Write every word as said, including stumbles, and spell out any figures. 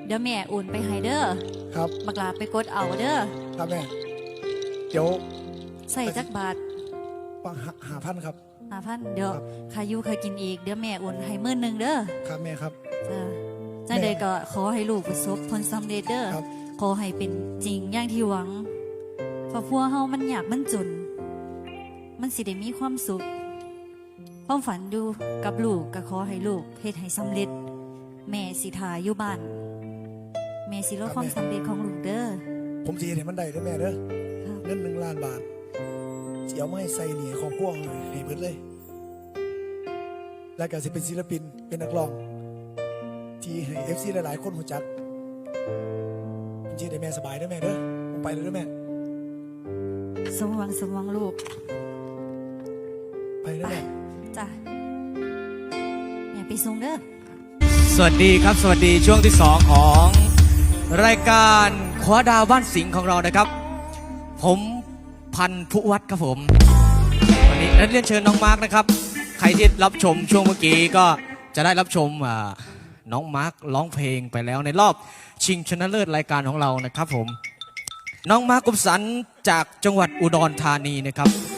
เดี๋ยวแม่โอนไปให้เด้อครับบักลาไปกดเอาเด้อครับแม่เดี๋ยวใส่จักบาทปังหาพันครับหาพันเดี๋ยวขายูขากินอีกเดี๋ยวแม่โอนให้หมื่นหนึ่งเด้อครับแม่ครับจ้าจ้าเด็กก็ขอให้ลูกประสบผลสำเร็จเด้อขอให้เป็นจริงอย่างที่หวังครอบครัวเฮามันยากมันจนมันสิได้มีความสุขความฝันดูกับลูกก็ขอให้ลูกเฮ็ดให้สำเร็จแม่สิทาอยู่บ้านแม่สิรอความสำเร็จของลูกเด้อผมสิเฮ็ดให้มันได้เด้อแม่เด้อเงินหนึ่งล้านบาทสิเอามาให้ใส่หนี้ของพวกให้เบิดเลยแล้วก็สิเป็นศิลปินเป็นนักร้องที่ให้ เอฟ ซี หลายๆคนรู้จักผมสิได้แม่สบายเด้อแม่เด้อผมไปเลยเด้อแม่สมหวังสมหวังลูกไปเด้อแม่จ้ะแม่ไปส่งเด้อสวัสดีครับสวัสดีช่วงที่สองของรายการคว้าดาวบ้านสิงห์ของเรานะครับผมพันธุวัฒน์ครับผมวันนี้นักเรียนเชิญน้องมาร์กนะครับใครที่รับชมช่วงเมื่อกี้ก็จะได้รับชมน้องมาร์กร้องเพลงไปแล้วในรอบชิงชนะเลิศรายการของเรานะครับผมน้องมาร์กกุมสันจากจังหวัดอุดรธานีนะครับ